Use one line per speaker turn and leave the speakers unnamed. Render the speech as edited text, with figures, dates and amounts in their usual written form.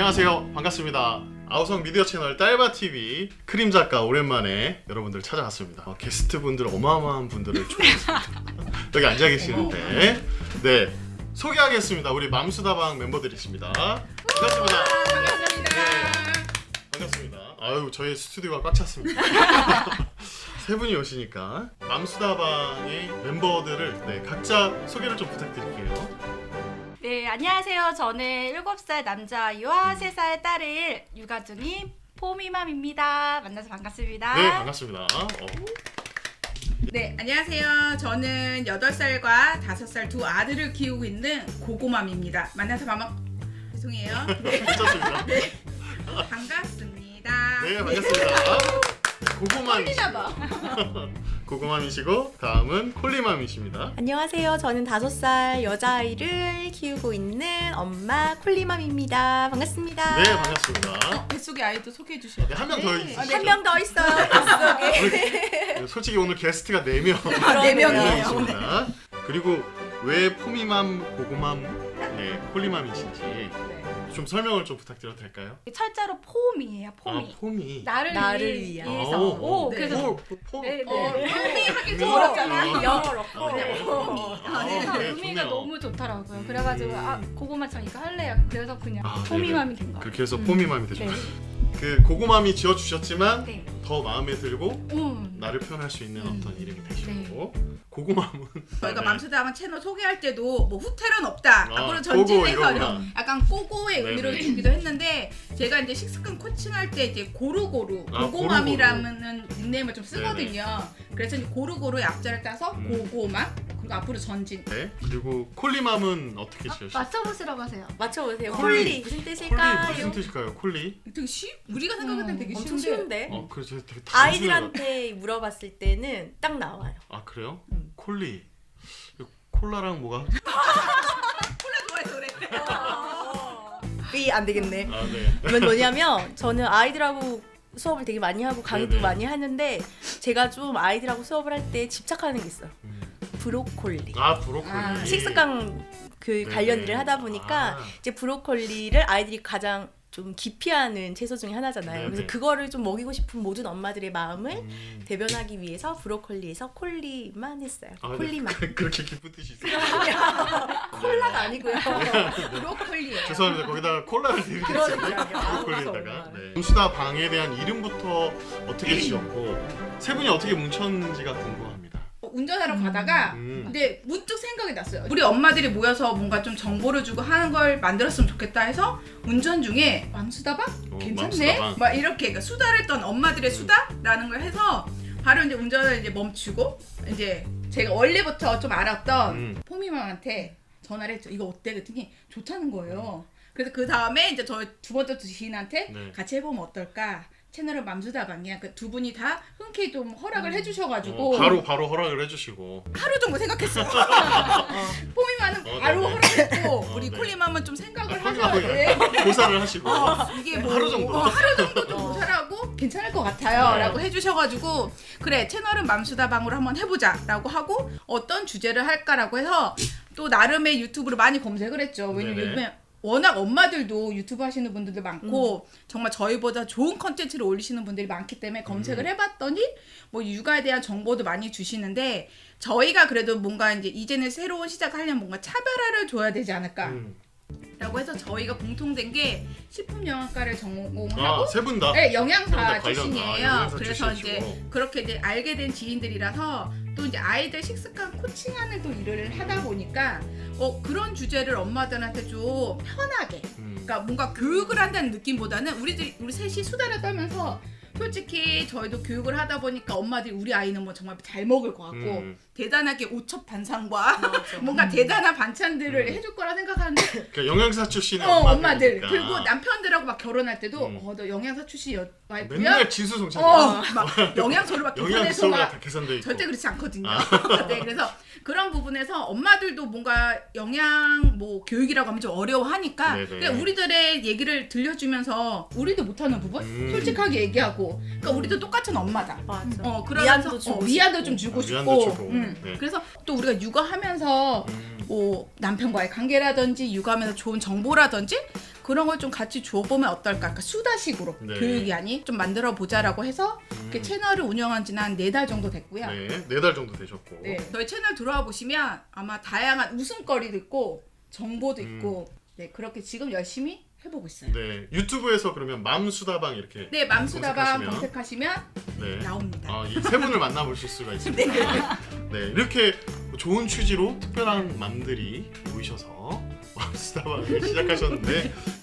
안녕하세요. 반갑습니다. 아우성 미디어 채널 딸바TV 크림 작가 오랜만에 여러분들 찾아왔습니다. 게스트분들 어마어마한 분들을 초대했습니다. 여기 앉아 계시는데 네 소개하겠습니다. 우리 맘수다방 멤버들이십니다. 반갑습니다. 네, 반갑습니다. 아유 저희 스튜디오가 꽉 찼습니다. 세 분이 오시니까 맘수다방의 멤버들을 네, 각자 소개를 좀 부탁드릴게요.
네, 안녕하세요. 저는 7살 남자아이와 3살 딸을 육아 중인 포미맘입니다. 만나서 반갑습니다.
네, 반갑습니다.
네, 안녕하세요. 저는 8살과 5살 두 아들을 키우고 있는 고고맘입니다. 만나서 죄송해요. 네,
괜찮습니다.
네. 반갑습니다.
네, 반갑습니다. 고고맘이시고 고고맘이시고 다음은 콜리맘이십니다.
안녕하세요. 저는 5살 여자아이를 키우고 있는 엄마 콜리맘입니다. 반갑습니다.
네, 반갑습니다.
뱃속의 아이도 소개해 주세요.
네, 한 명 더 있으시죠?
한 명 더 있어요. 뱃속에.
네, 솔직히 오늘 게스트가 4명.
네 명이에요.
있습니다. 그리고 왜 포미맘, 고고맘, 네, 콜리맘이신지 좀 설명을 좀 부탁드려도 될까요?
철자로 폼이에요. 폼이.
아, 폼이.
나를
위한.
위해서.
오,
네.
그래서
폼.
네, 네.
폼이 하긴 좀
네.
어렵잖아.
영어로.
그래서
네,
의미가
좋네요.
너무 좋더라고요. 그래가지고 고구마처럼 이거 할래요. 그래서 그냥
아,
포미맘이 된 거예요.
그렇게 해서 포미맘이 되죠.
네.
그 고고맘이 지어주셨지만
네.
더 마음에 들고 나를 표현할 수 있는 어떤 이름이 되시고 고고맘은
저희가
네.
맘수다방 채널 소개할 때도 뭐 후퇴는 없다.
아,
앞으로
고고
전진해서
이러구나.
약간 꼬고의 의미로
네네.
주기도 했는데 제가 이제 식습관 코칭할 때 이제 고루고루
아,
고고맘이라는 닉네임을 좀 쓰거든요. 그래서 이제 고루고루의 앞자를 따서 고고맘 그리고 앞으로 전진.
네. 그리고 콜리맘은 어떻게 지으셨어요?
맞춰보시라고 하세요.
맞춰보세요.
콜리.
콜리 무슨
콜리
뜻일까요?
무슨 뜻일까요? 콜리?
되게 우리가 생각할 땐 되게
엄청
쉬운데.
쉬운데.
그래 제가 되게 단순해가-
아이들한테 물어봤을 때는 딱 나와요.
아 그래요? 콜리 이거 콜라랑 뭐가?
좋아해서 그래.
이 안 되겠네.
아 네.
이건 뭐냐면 저는 아이들하고 수업을 되게 많이 하고 강의도
네네.
많이 하는데 제가 좀 아이들하고 수업을 할 때 집착하는 게 있어요. 브로콜리.
아 브로콜리.
아,
식습관 그 관련 일을 하다 보니까 이제 브로콜리를 아이들이 가장 좀 기피하는 채소 중에 하나잖아요.
네네.
그래서 그거를 좀 먹이고 싶은 모든 엄마들의 마음을 대변하기 위해서 브로콜리에서 콜리만 했어요.
아, 네.
콜리만.
그렇게 기쁜 뜻이 있어요.
콜라가 아니고요.
브로콜리예요.
죄송합니다. 거기다가 콜라를 드리겠습니다.
그러니까요.
브로콜리에다가. 네. 맘수다 방에 대한 이름부터 어떻게 지었고 세 분이 어떻게 뭉쳤는지가 궁금합니다.
운전하러 가다가
음.
근데 문득 생각이 났어요. 우리 엄마들이 모여서 뭔가 좀 정보를 주고 하는 걸 만들었으면 좋겠다 해서 운전 중에 맘수다방? 괜찮네?
맘수다방.
막 이렇게 그러니까 수다를 떤 엄마들의 수다라는 걸 해서 바로 이제 운전을 이제 멈추고 이제 제가 원래부터 좀 알았던 포미맘한테 전화를 했죠. 이거 어때? 그랬더니 좋다는 거예요. 그래서 그 다음에 이제 저 두 번째 지인한테
네.
같이 해보면 어떨까? 채널은 맘수다방이야. 그 두 분이 다 흔쾌히 좀 허락을 해주셔가지고
바로 허락을 해주시고.
하루 정도 생각했어요. 뽀미맘은 바로
네네.
허락했고 우리
네.
콜리맘은 좀 생각을
생각을
하셔야 돼.
고사를 하시고.
이게 뭐
하루 정도.
하루 정도 좀 조사하고 괜찮을 것 같아요. 라고 해주셔가지고 그래 채널은 맘수다방으로 한번 해보자 라고 하고 어떤 주제를 할까라고 해서 또 나름의 유튜브로 많이 검색을 했죠. 왜냐면
네네.
요즘에 워낙 엄마들도 유튜브 하시는 분들도 많고 정말 저희보다 좋은 컨텐츠를 올리시는 분들이 많기 때문에 검색을 해봤더니 뭐 육아에 대한 정보도 많이 주시는데 저희가 그래도 뭔가 이제는 새로운 시작을 하려면 뭔가 차별화를 줘야 되지 않을까 라고 해서 저희가 공통된 게 식품영양과를 전공하고
세 분 다?
네, 영양사
관련-
출신이에요.
영양사
그래서
출신이시고.
이제 그렇게 이제 알게 된 지인들이라서 또 이제 아이들 식습관 코칭하는 또 일을 하다 보니까 그런 주제를 엄마들한테 좀 편하게 그러니까 뭔가 교육을 한다는 느낌보다는 우리 셋이 수다를 떨면서 솔직히 저희도 교육을 하다 보니까 엄마들이 우리 아이는 뭐 정말 잘 먹을 것 같고 대단하게 오첩단상과 뭔가 대단한 반찬들을 해줄 거라 생각하는데
그러니까 영양사 출신의
엄마들
엄마들이니까.
그리고 남편들하고 막 결혼할 때도 너 영양사 출신 와이프야?
맨날 진수성찬이야.
막 영양소를 막 계산해서
영양소가 다
막
계산돼 있고.
절대 그렇지 않거든요. 네, 그래서 그런 부분에서 엄마들도 뭔가 영양 뭐 교육이라고 하면 좀 어려워하니까
네네.
그냥 우리들의 얘기를 들려주면서 우리도 못하는 부분 솔직하게 얘기하고 그러니까 우리도 똑같은 엄마다.
맞아.
그러면서
위안도 주고
위안도
싶고.
좀 주고
위안도
싶고.
주고. 네.
그래서 또 우리가 육아하면서 뭐 남편과의 관계라든지 육아하면서 좋은 정보라든지 그런 걸 좀 같이 줘보면 어떨까? 그러니까 수다식으로
네.
교육이 아닌 좀 만들어 보자라고 해서 이렇게 채널을 운영한 지는 한 4달 정도 됐고요.
네, 4달 정도 되셨고.
네, 저희 채널 들어와 보시면 아마 다양한 웃음거리도 있고 정보도 있고 네, 그렇게 지금 열심히 해보고 있어요.
네, 유튜브에서 그러면 맘수다방 이렇게
네, 맘수다방
검색하시면-
검색하시면
네.
나옵니다.
이 세 분을 만나보실 수가 있습니다. 네, 이렇게 좋은 취지로 특별한 맘들이 모이셔서 맘수다방을 시작하셨는데